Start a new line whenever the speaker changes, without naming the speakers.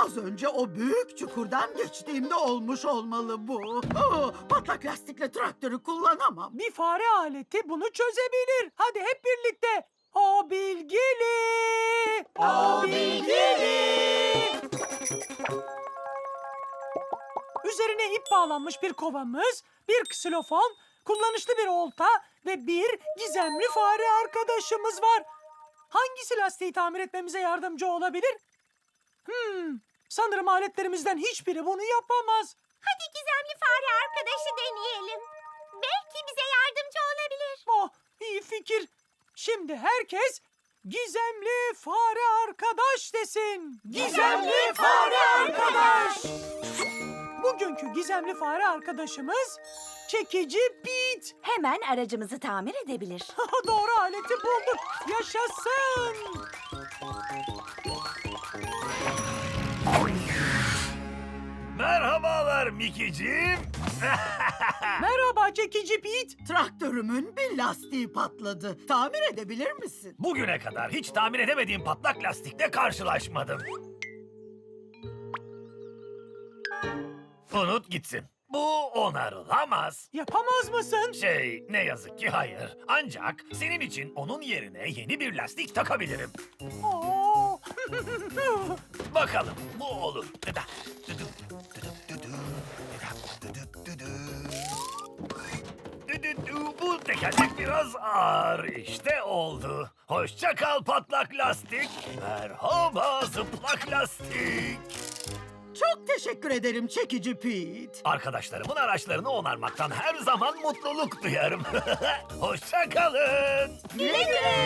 Az önce o büyük çukurdan geçtiğimde olmuş olmalı bu. Patlak lastikle traktörü kullanamam.
Bir fare aleti bunu çözebilir. Hadi hep birlikte. O bilgili. O bilgili. Üzerine ip bağlanmış bir kovamız, bir ksilofon, kullanışlı bir olta ve bir gizemli fare arkadaşımız var. Hangisi lastiği tamir etmemize yardımcı olabilir? Sanırım aletlerimizden hiçbiri bunu yapamaz.
Hadi gizemli fare arkadaşı deneyelim. Belki bize yardımcı olabilir.
Oh, iyi fikir. Şimdi herkes gizemli fare arkadaş desin. Gizemli fare arkadaş. Bugünkü gizemli fare arkadaşımız çekici Pete.
Hemen aracımızı tamir edebilir.
Doğru aleti bulduk. Yaşasın.
Merhabalar Mickey'ciğim.
Merhaba çekici Pete.
Traktörümün bir lastiği patladı. Tamir edebilir misin?
Bugüne kadar hiç tamir edemediğim patlak lastikle karşılaşmadım. Unut gitsin. Bu onarılamaz.
Yapamaz mısın?
Ne yazık ki hayır. Ancak senin için onun yerine yeni bir lastik takabilirim.
Oo.
Bakalım bu olur. Bu tekerlek biraz ağır. İşte oldu. Hoşça kal patlak lastik. Merhaba zıplak lastik.
Çok teşekkür ederim çekici Pete.
Arkadaşlarımın araçlarını onarmaktan her zaman mutluluk duyarım. Hoşça kalın.
Güle güle.